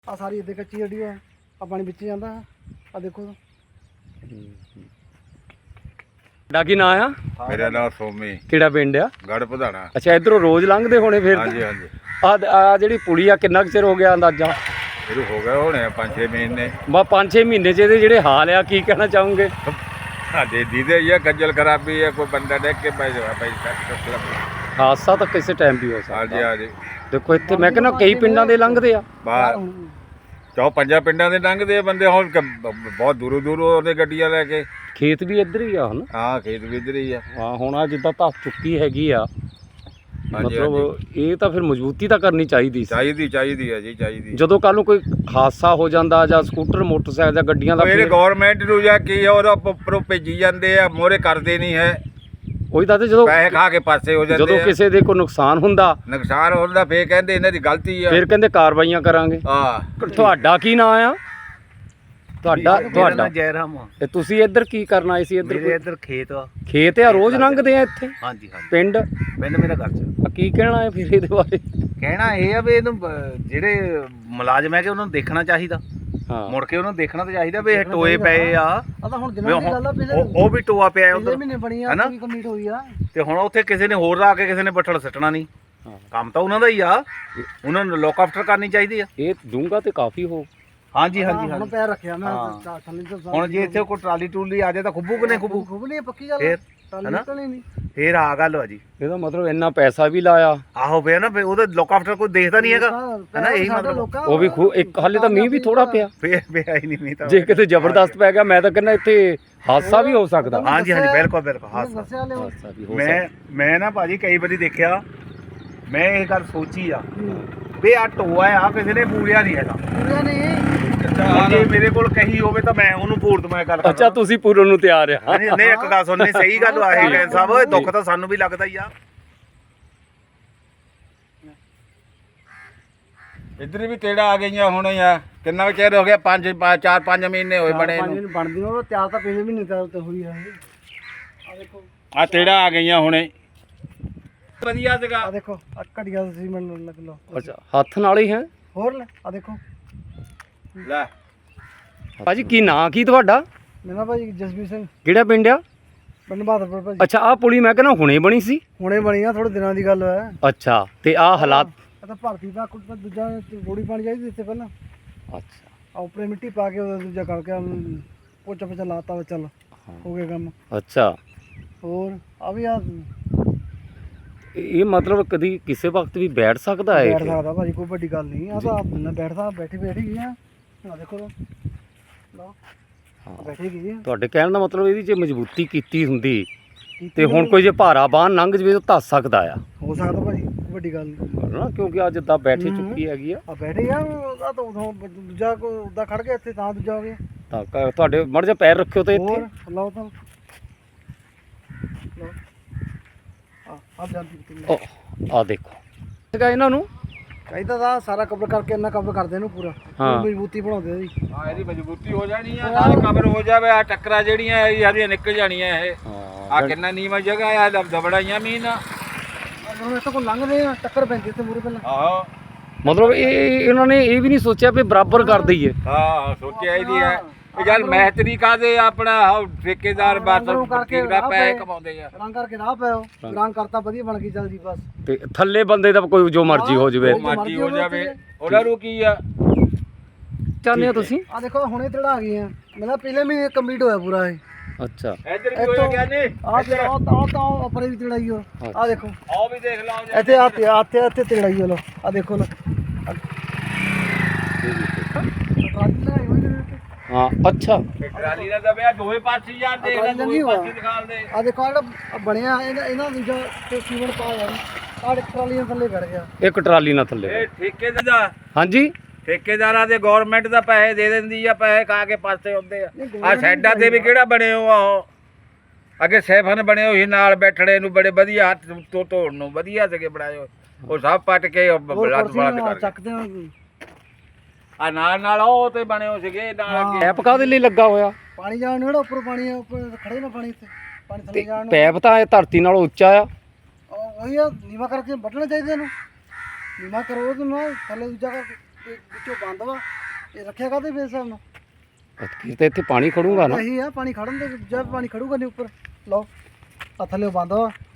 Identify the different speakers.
Speaker 1: ਆ ਸਾਰੀ ਇੱਥੇ ਕੱਚੀ ਜਿਹੜੀ ਆ ਪਾਣੀ ਵਿੱਚ ਜਾਂਦਾ ਆ ਦੇਖੋ।
Speaker 2: ਤੁਹਾਡਾ ਕੀ ਨਾਂ ਆ?
Speaker 3: ਮੇਰਾ ਨਾਮ ਸੋਮੀ।
Speaker 2: ਕਿਹੜਾ ਪਿੰਡ ਆ?
Speaker 3: ਗੜ ਪਧਾਣਾ।
Speaker 2: ਅੱਛਾ, ਇਧਰੋਂ ਰੋਜ਼ ਲੰਘਦੇ ਹੋਣੇ ਫਿਰ?
Speaker 3: ਹਾਂਜੀ ਹਾਂਜੀ।
Speaker 2: ਆ ਜਿਹੜੀ ਪੁਲੀ ਆ ਕਿੰਨਾ ਕੁ ਚਿਰ ਹੋ ਗਿਆ ਅੰਦਾਜ਼ਾ?
Speaker 3: ਸ਼ੁਰੂ ਹੋ ਗਏ ਹੋਣੇ 5-6 ਮਹੀਨੇ।
Speaker 2: ਬਾ 5-6 ਮਹੀਨੇ ਚ ਇਹਦੇ ਜਿਹੜੇ ਹਾਲ ਆ ਕੀ ਕਹਿਣਾ ਚਾਹੋਗੇ?
Speaker 3: ਸਾਡੇ ਦੀਦੇ ਇਹ ਖੱਜਲ ਖਰਾਬੀ ਹੈ, ਕੋਈ ਬੰਦਾ ਦੇਖ ਕੇ ਪੈ ਜਾਵੇ ਭਾਈ।
Speaker 2: ਹਾਦਸਾ ਤਾਂ ਕਿਸੇ ਟਾਈਮ ਵੀ ਹੋ
Speaker 3: ਹਾਂਜੀ
Speaker 2: ਸਕਦਾ।
Speaker 3: ਹਾਂਜੀ।
Speaker 2: ਦੇਖੋ ਇੱਥੇ ਮੈਂ ਕਹਿੰਦਾ ਕਈ ਪਿੰਡਾਂ ਦੇ ਲੰਘਦੇ ਆ।
Speaker 3: ਬਾਹਰ 4-5 ਪਿੰਡਾਂ ਦੇ ਲੰਘਦੇ ਆ ਬੰਦੇ, ਹੁਣ ਬਹੁਤ ਦੂਰੋਂ ਦੂਰੋਂ ਉਹਦੇ ਗੱਡੀਆਂ ਲੈ ਕੇ।
Speaker 2: ਖੇਤ ਵੀ ਇੱਧਰ ਹੀ ਆ ਹਨ।
Speaker 3: ਹਾਂ ਖੇਤ ਵੀ ਇੱਧਰ ਹੀ ਆ।
Speaker 2: ਹਾਂ ਹੁਣ ਆ ਜਿੱਦਾਂ ਧੱਸ ਚੁੱਕੀ ਹੈਗੀ ਆ,
Speaker 3: ਹਾਂਜੀ
Speaker 2: ਮਤਲਬ ਇਹ ਤਾਂ ਫਿਰ ਮਜ਼ਬੂਤੀ ਤਾਂ ਕਰਨੀ ਚਾਹੀਦੀ ਸੀ।
Speaker 3: ਚਾਹੀਦੀ ਹੈ ਜੀ, ਚਾਹੀਦੀ।
Speaker 2: ਜਦੋਂ ਕੱਲ ਨੂੰ ਕੋਈ ਹਾਦਸਾ ਹੋ ਜਾਂਦਾ ਜਾਂ ਸਕੂਟਰ ਮੋਟਰਸਾਈਕਲ ਜਾਂ ਗੱਡੀਆਂ ਦਾ
Speaker 3: ਮੇਰੇ ਗਵਰਨਮੈਂਟ ਨੂੰ ਜਾਂ ਕੀ ਆ, ਉਹਦਾ ਉੱਪਰੋਂ ਭੇਜੀ ਜਾਂਦੇ ਆ, ਮੋਹਰੇ ਕਰਦੇ ਨਹੀਂ ਹੈ।
Speaker 2: ਉਹੀ ਤਾਂ ਜਦੋਂ
Speaker 3: ਪੈਸੇ ਖਾ ਕੇ ਪਾਸੇ ਹੋ ਜਾਂਦੇ
Speaker 2: ਜਦੋਂ
Speaker 3: ਆ।
Speaker 2: ਕਿਸੇ ਦੇ ਕੋਈ ਨੁਕਸਾਨ ਹੁੰਦਾ,
Speaker 3: ਨੁਕਸਾਨ ਹੁੰਦਾ ਫੇਰ ਕਹਿੰਦੇ ਇਹਨਾਂ ਦੀ ਗਲਤੀ ਆ।
Speaker 2: ਫਿਰ ਕਹਿੰਦੇ ਕਾਰਵਾਈਆਂ ਕਰਾਂਗੇ।
Speaker 3: ਹਾਂ।
Speaker 2: ਤੁਹਾਡਾ ਕੀ ਨਾਂ ਆ? ਤੁਹਾਡਾ
Speaker 4: ਜੈਰਾਮ
Speaker 2: ਤੇ ਤੁਸੀਂ ਇੱਧਰ ਕੀ ਕਰਨ ਆਏ ਸੀ?
Speaker 4: ਮੇਰੇ ਇੱਧਰ ਖੇਤ ਆ।
Speaker 2: ਖੇਤ ਆ, ਰੋਜ਼ ਲੰਘਦੇ ਆ ਇੱਥੇ?
Speaker 4: ਹਾਂਜੀ ਹਾਂਜੀ।
Speaker 2: ਪਿੰਡ
Speaker 4: ਮੇਰਾ ਘਰ ਚ।
Speaker 2: ਕੀ ਕਹਿਣਾ ਹੈ ਫਿਰ ਇਹਦੇ ਬਾਰੇ?
Speaker 4: ਕਹਿਣਾ ਇਹ ਆ ਵੀ ਇਹਨੂੰ ਜਿਹੜੇ ਮੁਲਾਜ਼ਮ ਹੈ ਕਿ ਉਹਨਾਂ ਨੂੰ ਦੇਖਣਾ ਚਾਹੀਦਾ।
Speaker 2: ਹਾਂ,
Speaker 4: ਮੁੜ ਕੇ ਉਹਨਾਂ ਨੂੰ ਦੇਖਣਾ ਤਾਂ ਚਾਹੀਦਾ ਵੀ ਇਹ ਟੋਏ ਪਏ ਆ।
Speaker 1: ਆ ਤਾਂ ਹੁਣ ਦਿਨਾਂ ਦੀ ਗੱਲ ਆ,
Speaker 4: ਉਹ ਵੀ ਟੋਆ ਪਿਆ
Speaker 1: ਪਿਛਲੇ
Speaker 4: ਉਧਰ
Speaker 1: ਮਹੀਨੇ ਬਣੀ ਆ,
Speaker 4: ਹੈਨਾ?
Speaker 1: ਪੂਰੀ ਕੰਪਲੀਟ ਹੋਈ ਆ।
Speaker 4: ਤੇ ਹੁਣ ਉੱਥੇ ਕਿਸੇ ਨੇ ਹੋਰ ਆ ਕੇ ਕਿਸੇ ਨੇ ਬੱਠਲ ਸੱਟਣਾ ਨਹੀਂ।
Speaker 2: ਹਾਂ।
Speaker 4: ਕੰਮ ਤਾਂ ਉਹਨਾਂ ਦਾ ਹੀ ਆ, ਉਹਨਾਂ ਨੂੰ ਲੋਕ ਆਫਟਰ ਕਰਨੀ ਚਾਹੀਦੀ ਆ।
Speaker 2: ਇਹ ਡੂੰਘਾ ਤੇ ਕਾਫੀ ਹੋ।
Speaker 4: ਹਾਂਜੀ
Speaker 1: ਹੁਣ
Speaker 4: ਹਾਂਜੀ ਹਾਂਜੀ।
Speaker 1: ਪੈਰ ਰੱਖਿਆ ਮੈਂ
Speaker 4: ਹਾਂ।
Speaker 1: ਥੱਲੇ ਤੋਂ
Speaker 4: ਹੁਣ ਜੇ ਇੱਥੇ ਕੋਈ ਟਰਾਲੀ ਟੂਲੀ ਆ ਜਾਏ ਤਾਂ ਖੁੱਬੂ ਕਿ ਨਹੀਂ ਖੁੱਬੂ?
Speaker 1: ਖੂਬ ਨਹੀਂ ਪੱਕੀ ਗੱਲ
Speaker 4: ਫੇਰ
Speaker 1: ਟਾਲੀ
Speaker 4: ਹੈਨਾ?
Speaker 1: ਨਿਕਲਣੀ ਨਹੀਂ।
Speaker 4: ਫੇਰ ਆ ਗੱਲ ਆ ਜੀ।
Speaker 2: ਇਹਦਾ ਮਤਲਬ ਇੰਨਾ ਪੈਸਾ ਵੀ ਲਾਇਆ,
Speaker 4: ਆਹੋ ਪਿਆ ਨਾ, ਉਹਦਾ ਲੋਕ ਆਫਟਰ ਕੋਈ ਦੇਖਦਾ ਨਹੀਂ ਹੈਗਾ। ਹੈਨਾ? ਇਹੀ ਮਤਲਬ
Speaker 2: ਉਹ ਵੀ ਇੱਕ ਹਾਲੇ ਤਾਂ ਮੀਂਹ ਵੀ ਥੋੜਾ ਪਿਆ।
Speaker 4: ਫੇਰ ਪਿਆ ਹੀ ਨਹੀਂ ਮੀਂਹ ਤਾਂ।
Speaker 2: ਜੇ ਕਿਤੇ ਜ਼ਬਰਦਸਤ ਪੈ ਗਿਆ ਮੈਂ ਤਾਂ ਕਹਿੰਦਾ ਇੱਥੇ ਹਾਦਸਾ ਵੀ ਹੋ ਸਕਦਾ।
Speaker 4: ਹਾਂਜੀ ਹਾਂਜੀ ਬਿਲਕੁਲ ਬਿਲਕੁਲ।
Speaker 1: ਦੱਸਿਆ ਲਿਓ।
Speaker 2: ਹਾਦਸਾ ਵੀ ਹੋ ਸਕਦਾ।
Speaker 4: ਮੈਂ ਨਾ ਭਾਜੀ ਕਈ ਵਾਰੀ ਦੇਖਿਆ, ਮੈਂ ਇਹ ਗੱਲ ਸੋਚੀ ਆ ਵੀ ਆ ਟੋਆ ਆ ਕਿਸੇ ਨੇ ਪੂਰਿਆ ਨਹੀਂ ਹੈਗਾ।
Speaker 1: ਪੂਰਿਆ ਨਹੀਂ।
Speaker 4: ਜੇ ਮੇਰੇ ਕੋਲ ਕਹੀ ਹੋਵੇ ਤਾਂ ਮੈਂ ਉਹਨੂੰ ਪੂਰ ਦਵਾਂ ਗੱਲ।
Speaker 2: ਅੱਛਾ, ਤੁਸੀਂ ਪੂਰਨ ਨੂੰ ਤਿਆਰ ਆ?
Speaker 4: ਨਹੀਂ ਇੱਕ ਗੱਲ ਸੁਣਨੀ, ਸਹੀ ਗੱਲ ਆ ਇਹ ਸਾਹਿਬ, ਦੁੱਖ ਤਾਂ ਸਾਨੂੰ ਵੀ ਲੱਗਦਾ ਹੀ ਆ।
Speaker 3: ਇੱਧਰ ਵੀ ਤੇੜਾ ਆ ਗਈਆਂ ਹੁਣ ਆ। ਕਿੰਨਾ ਕੁ ਚਿਰ ਹੋ ਗਿਆ? 4-5 ਮਹੀਨੇ ਹੋਏ ਬਣੇ
Speaker 1: ਪੰਜ
Speaker 3: ਨੂੰ।
Speaker 1: ਦਿਨ ਬਣਦੀ ਉਹ ਤਿਆਰ ਤਾਂ ਪਿਛਲੇ ਮਹੀਨੇ ਤੇ ਹੋਈ ਆ। ਆ ਦੇਖੋ,
Speaker 3: ਆ ਤੇੜਾ ਆ ਗਈਆਂ ਹੁਣੇ। ਵਧੀਆ ਸੀਗਾ।
Speaker 1: ਆ ਦੇਖੋ ਆ ਘੜੀਆਂ ਤੁਸੀਂ ਮੈਨੂੰ ਲੱਗ ਲਓ।
Speaker 2: ਅੱਛਾ, ਹੱਥ ਨਾਲ ਹੀ ਹੈ?
Speaker 1: ਹੋਰ ਲੈ ਆ ਦੇਖੋ।
Speaker 3: ਲੈ
Speaker 2: ਭਾਜੀ ਕੀ ਨਾਂ ਕੀ ਤੁਹਾਡਾ?
Speaker 1: ਮੇਰਾ ਭਾਜੀ ਜਸਬੀਰ ਸਿੰਘ,
Speaker 2: ਕਿਹੜਾ ਪਿੰਡ ਆ?
Speaker 1: ਪਿੰਡ ਬਹਾਦਰਪੁਰ ਭਾਜੀ।
Speaker 2: ਅੱਛਾ, ਆਹ ਪੁਲੀ ਮੈਂ ਕਹਿੰਦਾ ਹੁਣੇ ਬਣੀ ਸੀ?
Speaker 1: ਹੁਣੇ ਬਣੀ ਆ, ਥੋੜੇ ਦਿਨਾਂ ਦੀ ਗੱਲ ਹੈ।
Speaker 2: ਅੱਛਾ, ਤੇ ਆਹ ਹਾਲਾਤ?
Speaker 1: ਇਹ ਤਾਂ ਭਰਤੀ ਦਾ ਕੁਝ ਦੂਜਾ ਰੋੜੀ ਪਾਣੀ ਚਾਹੀਦੀ ਇੱਥੇ ਪਹਿਲਾਂ।
Speaker 2: ਅੱਛਾ,
Speaker 1: ਆ ਉੱਪਰੇ ਮਿੱਟੀ ਪਾ ਕੇ ਉਹਦਾ ਦੂਜਾ ਕਰਕੇ ਪੋਚਾ ਪੋਚਾ ਲਾਤਾ, ਚੱਲ ਹੋ ਗਿਆ ਕੰਮ।
Speaker 2: ਅੱਛਾ।
Speaker 1: ਹੋਰ ਆ ਵੀ ਆ
Speaker 2: ਇਹ ਮਤਲਬ ਕਦੀ ਕਿਸੇ ਵਕਤ ਵੀ ਬੈਠ ਸਕਦਾ ਹੈ
Speaker 1: ਬੈਠ
Speaker 2: ਇਹ?
Speaker 1: ਸਕਦਾ ਭਾਜੀ, ਕੋਈ ਵੱਡੀ ਗੱਲ ਨਹੀਂ। ਆ ਤਾਂ ਬੰਦਾ ਬੈਠਦਾ, ਬੈਠੀ ਗਈ ਆ। ਆ ਦੇਖੋ ਲਓ, ਬੈਠੀ ਗਈ ਆ।
Speaker 2: ਤੁਹਾਡੇ ਕਹਿਣ ਦਾ ਮਤਲਬ ਇਹਦੀ ਜੇ ਮਜ਼ਬੂਤੀ ਕੀਤੀ ਹੁੰਦੀ ਤੇ ਹੁਣ ਕੋਈ ਜੇ ਭਾਰਾ ਬਾਹਨ ਲੰਘ ਜਵੇ ਤਾਂ ਧੱਸ ਸਕਦਾ ਆ।
Speaker 1: ਹੋ ਸਕਦਾ ਭਾਜੀ, ਕੋਈ ਵੱਡੀ ਗੱਲ ਨਹੀਂ
Speaker 2: ਨਾ, ਕਿਉਂਕਿ ਅੱਜ ਜਿੱਦਾਂ ਬੈਠੀ ਚੁੱਕੀ ਹੈਗੀ ਆ
Speaker 1: ਆ। ਬੈਠੇ ਆ ਆ ਤਾਂ ਉਦੋਂ ਦੂਜਾ ਕੋਈ ਉਦਾਂ ਖੜ ਗਿਆ ਇੱਥੇ ਤਾਂ ਦੂਜਾ ਹੋ ਗਿਆ।
Speaker 2: ਤਾਂ ਤੁਹਾਡੇ ਮੜ ਜਾ ਪੈਰ ਰੱਖਿਓ ਤੇ ਇੱਥੇ।
Speaker 1: ਹੋਰ ਲਓ ਤਾਂ ਲਓ ਆ ਜਾਂਦੀ
Speaker 2: ਆ ਦੇਖੋ ਹੈਗਾ ਇਹਨਾਂ ਨੂੰ।
Speaker 1: ਚਾਹੀਦਾ ਤਾਂ ਸਾਰਾ ਕਵਰ ਕਰਕੇ ਇੰਨਾ ਕਵਰ ਕਰਦੇ ਇਹਨੂੰ ਪੂਰਾ।
Speaker 2: ਹਾਂ।
Speaker 1: ਮਜ਼ਬੂਤੀ ਬਣਾਉਂਦੇ ਜੀ।
Speaker 3: ਹਾਂ, ਇਹਦੀ ਮਜ਼ਬੂਤੀ ਹੋ ਜਾਣੀ ਆ, ਨਾਲ ਕਵਰ ਹੋ ਜਾਵੇ। ਆ ਟੱਕਰਾਂ ਜਿਹੜੀਆਂ ਇਹ ਸਾਰੀਆਂ ਨਿਕਲ ਜਾਣੀਆਂ। ਇਹ ਆ ਕਿੰਨਾ ਨੀਵਾਂ ਜਗ੍ਹਾ ਆ, ਦਬੜਾਈਆਂ ਮੀਨ।
Speaker 1: ਹੁਣ ਇੱਥੇ ਕੋਈ ਲੰਘਦੇ ਆ, ਟੱਕਰ ਪੈਂਦੀ ਇੱਥੇ ਮੂਰੇ ਪਹਿਲਾਂ।
Speaker 3: ਆਹੋ
Speaker 2: ਮਤਲਬ ਇਹਨਾਂ ਨੇ ਇਹ ਵੀ ਨਹੀਂ ਸੋਚਿਆ ਵੀ ਬਰਾਬਰ ਕਰ ਦਈਏ।
Speaker 3: ਹਾਂ, ਸੋਚਿਆ ਇਹਦੀ ਹੈ ਇਹ ਗੱਲ। ਮਹਿਤਰੀ ਕਾਦੇ ਆਪਣਾ ਠੇਕੇਦਾਰ ਬਾਤੋਂ ਦਾ ਪੈਸੇ ਕਮਾਉਂਦੇ ਆ।
Speaker 1: ਰੰਗ ਕਰਕੇ ਰਾਹ ਪਿਓ, ਰੰਗ ਕਰਤਾ ਵਧੀਆ ਬਣ ਗਈ, ਚੱਲ ਜੀ ਬਸ।
Speaker 2: ਤੇ ਥੱਲੇ ਬੰਦੇ ਦਾ ਕੋਈ ਜੋ ਮਰਜ਼ੀ ਹੋ ਜਵੇ।
Speaker 3: ਮਰਜ਼ੀ ਹੋ ਜਾਵੇ, ਉਹਨਾਂ ਨੂੰ ਕੀ ਆ।
Speaker 2: ਚਾਹੁੰਦੇ ਹੋ ਤੁਸੀਂ?
Speaker 1: ਆ ਦੇਖੋ ਹੁਣੇ ਤੜਾ ਆ ਗਈਆਂ, ਮੇਰਾ ਪਹਿਲੇ ਮਹੀਨੇ ਕੰਪਲੀਟ ਹੋਇਆ ਪੂਰਾ ਇਹ।
Speaker 2: ਅੱਛਾ,
Speaker 3: ਇੱਧਰ ਵੀ ਹੋਇਆ ਗਿਆ ਨਹੀਂ।
Speaker 1: ਆ ਤਾਂ ਉੱਪਰ ਵੀ ਤੜਾਈ ਹੋ। ਆ ਦੇਖੋ
Speaker 3: ਆਹ ਵੀ ਦੇਖ ਲਓ ਜੀ।
Speaker 1: ਇੱਥੇ ਇੱਥੇ ਤੜਾਈ ਹੋ ਲੋ। ਆ ਦੇਖੋ ਲੋ।
Speaker 2: ਹਾਂ। ਅੱਛਾ,
Speaker 3: ਟਰਾਲੀ ਦਾ ਦਬਿਆ ਦੋਵੇਂ ਪਾਸੇ ਯਾਰ ਦੇਖ ਲੈ, ਦੋਵੇਂ ਪਾਸੇ ਦਿਖਾਲ ਦੇ।
Speaker 1: ਆ ਦੇਖੋ ਜਿਹੜਾ ਬਣਿਆ ਇਹਨਾਂ ਦੂਜਾ ਤੇ ਸੀਮੈਂਟ ਪਾ ਜਾਣੀ। ਆ ਟਰਾਲੀਆਂ ਥੱਲੇ ਵੜ ਗਿਆ।
Speaker 2: ਇੱਕ ਟਰਾਲੀ ਨਾਲ ਥੱਲੇ।
Speaker 3: ਇਹ ਠੇਕੇਦਾਰ ਦਾ,
Speaker 2: ਹਾਂਜੀ,
Speaker 3: ਠੇਕੇਦਾਰਾਂ ਦੇ ਗਵਰਨਮੈਂਟ ਦਾ ਪੈਸੇ ਦੇ ਦਿੰਦੀ ਆ, ਪੈਸੇ ਖਾ ਕੇ ਪਾਸੇ ਹੁੰਦੇ ਆ। ਆ ਸਾਈਡਾਂ ਤੇ ਵੀ ਕਿਹੜਾ ਬਣੇ ਹੋ ਆ, ਉਹ ਅੱਗੇ ਸੈਫਨ ਬਣੇ ਹੋਏ ਨਾਲ ਬੈਠਣੇ ਨੂੰ, ਬੜੇ ਵਧੀਆ ਹੱਥ ਤੋਂ ਧੋਣ ਨੂੰ ਵਧੀਆ ਸੀਗੇ ਬਣਾਏ ਹੋਏ। ਉਹ ਸਭ ਪੱਟ ਕੇ ਬਲੱਡ ਕਰ
Speaker 1: ਚੱਕਦੇ ਆ।
Speaker 3: ਆ ਨਾਲ ਉਹ ਤੇ ਬਣੇ ਹੋ ਸੀਗੇ ਨਾਲ ਅੱਗੇ।
Speaker 2: ਪੈਪ ਕਾਹਦੇ ਲਈ ਲੱਗਾ ਹੋਇਆ?
Speaker 1: ਪਾਣੀ ਜਾਣ ਨੂੰ, ਜਿਹੜਾ ਉੱਪਰ ਪਾਣੀ ਆ, ਉੱਪਰ ਖੜੇ ਨਾ ਪਾਣੀ ਇੱਥੇ, ਪਾਣੀ ਥੱਲੇ ਜਾਣ ਨੂੰ।
Speaker 2: ਪੈਪ ਤਾਂ ਇਹ ਧਰਤੀ ਨਾਲੋਂ ਉੱਚਾ ਆ।
Speaker 1: ਉਹੀ ਆ, ਨੀਵਾ ਕਰਕੇ ਵੱਢਣਾ ਚਾਹੀਦਾ ਇਹਨੂੰ। ਨੀਵਾ ਕਰੋ ਤੇ ਨਾ ਥੱਲੇ ਦੂਜਾ ਕਰਕੇ ਵਿੱਚੋਂ ਬੰਦ ਵਾ ਇਹ ਰੱਖਿਆ ਕਾਹਦੇ ਫੇਰ ਹਿਸਾਬ ਨਾਲ
Speaker 2: ਫਿਰ ਤਾਂ ਇੱਥੇ ਪਾਣੀ ਖੜੂਗਾ ਨਾ
Speaker 1: ਇਹੀ ਆ ਪਾਣੀ ਖੜਨ ਦੇ ਜਦ ਪਾਣੀ ਖੜੂਗਾ ਨਹੀਂ ਉੱਪਰ ਲਓ ਆ ਥੱਲੇ ਬੰਦ ਵਾ